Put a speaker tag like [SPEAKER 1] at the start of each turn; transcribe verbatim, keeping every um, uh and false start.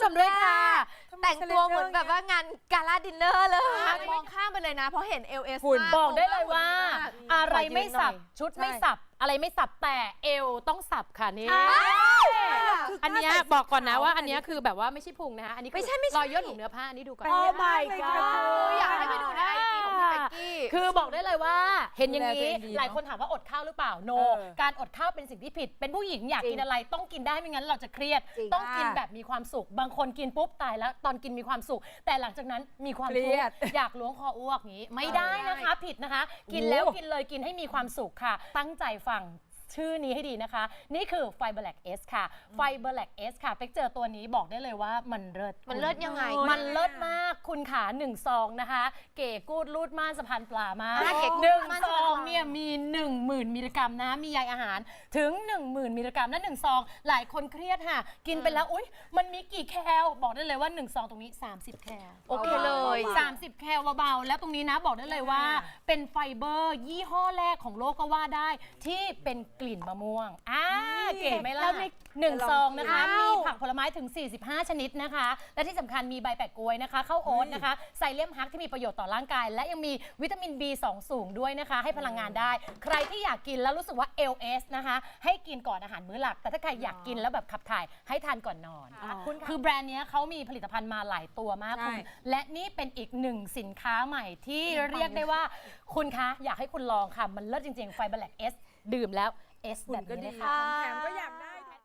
[SPEAKER 1] มด้วยค่ะ
[SPEAKER 2] แต่งตัวเหมือนแบบว่างานกาลาดินเนอร์เลยมองข้ามไปเลยนะเพราะเห็น เอล เอส
[SPEAKER 1] คุณ
[SPEAKER 3] บอกได้เลยว่า อะไรไม่สับ
[SPEAKER 1] ขอยืนหน่อย
[SPEAKER 3] ชุดไม่สับ อะไรไม่สับแต่เอวต้องสับค่ะนี่ อันเนี้ยบอกก่อนนะว่าอันเนี้ยคือแบบว่าไม่ใช่พุงนะคะอันนี้คือ
[SPEAKER 2] ไม่ใช่ไม่ใช่
[SPEAKER 3] รอยย่นของเนื้อผ้าอันนี้ดูก่อน
[SPEAKER 1] โอ้ my god
[SPEAKER 2] อยากให้ไปดูในไอจีของพี่เป๊กกี้
[SPEAKER 3] คือบอกได้เลยว่าเห็นอย่างนี้
[SPEAKER 1] ดูแลตัวเองดีเนอะ
[SPEAKER 3] หลายคนถามว่าอดข้าวหรือเปล่าโน
[SPEAKER 1] เออ
[SPEAKER 3] การอดข้าวเป็นสิ่งที่ผิด เป็นผู้หญิงอยาก
[SPEAKER 2] จริง
[SPEAKER 3] กินอะไรต้องกินได้ไม่งั้นเราจะเครียด
[SPEAKER 2] จริง
[SPEAKER 3] ต้องกินแบบมีความสุข บางคนกินปุ๊บตายแล้วตอนกินมีความสุข แต่หลังจากนั้นมีความ
[SPEAKER 1] เครี
[SPEAKER 3] ทุก
[SPEAKER 1] ยด
[SPEAKER 3] ข์อยากล้วงคออ้วกอย่างนี้ ไม่ได้นะคะผิดนะคะ กินแล้วกินเลยกินให้มีความสุขค่ะ ตั้งใจฟังชื่อนี้ให้ดีนะคะ นี่คือไฟเบอร์แลกเอสค่ะไฟเบอร์แลกเอสค่ะเป๊กเจอตัวนี้บอกได้เลยว่ามันเลิศ
[SPEAKER 2] มันเลิศยังไง
[SPEAKER 3] มันเลิศมากคุณขาหนึ่งซองนะคะ เก๋กูดรูดม่านสะพานปลามาก
[SPEAKER 2] อ่าเก๋กูด
[SPEAKER 3] หนึ่ง
[SPEAKER 2] ม่าน
[SPEAKER 3] ซ
[SPEAKER 2] สะพานปลา
[SPEAKER 3] องเนี่ยมีหนึ่งหมื่นมิลลิกรัมนะมีใยอาหารถึงหนึ่งหมื่นมิลลิกรัมและหนึ่งซองหลายคนเครียดค่ะ กินไปแล้วอุ๊ยมันมีกี่แคลบอกได้เลยว่าหนึ่งซองตรงนี้สามสิบแคล
[SPEAKER 2] โอเคเลย
[SPEAKER 3] สามสิบแคลเบาๆแล้วตรงนี้นะบอกได้เลยว่าเป็นไฟเบอร์ยี่ห้อแรกของโลกก็ว่าได้ที่เป็นกลิ่นมะม่วงอ่าเก๋ไหมล่ะ
[SPEAKER 1] แล้วใน
[SPEAKER 3] หนึ่งซองนะคะ
[SPEAKER 2] อ้าว
[SPEAKER 3] มีผักผลไม้ถึง สี่สิบห้า ชนิดนะคะ และที่สำคัญมีใบแปะกล้วยนะคะข้าวโอ๊ตนะคะไซเลียมฮักที่มีประโยชน์ต่อร่างกาย และยังมีวิตามิน บี สอง สูงด้วยนะคะ ให้พลังงานได้ ใครที่อยากกินแล้วรู้สึกว่า แอล เอส นะคะให้กินก่อนอาหารมื้อหลัก แต่ถ้าใครอยากกินแล้วแบบขับถ่ายให้ทานก่อนนอน
[SPEAKER 1] อ๋อ
[SPEAKER 3] คือแบรนด์เนี้ยเขามีผลิตภัณฑ์มาหลายตัวมาก
[SPEAKER 1] ใช่
[SPEAKER 3] คุณและนี่เป็นอีกหนึ่งสินค้าใหม่ที่เรียกได้ว่าคุณคะอยากให้คุณลองค่ะมันเลิศจริงๆไฟเบอร์แลกเอสดื่มแล้วเอส
[SPEAKER 1] คุ
[SPEAKER 3] แบ
[SPEAKER 1] ณ
[SPEAKER 3] บ
[SPEAKER 1] ก็
[SPEAKER 3] นี้เล
[SPEAKER 1] ดี
[SPEAKER 3] ยค่ะ
[SPEAKER 1] ของแถมก็อยากได้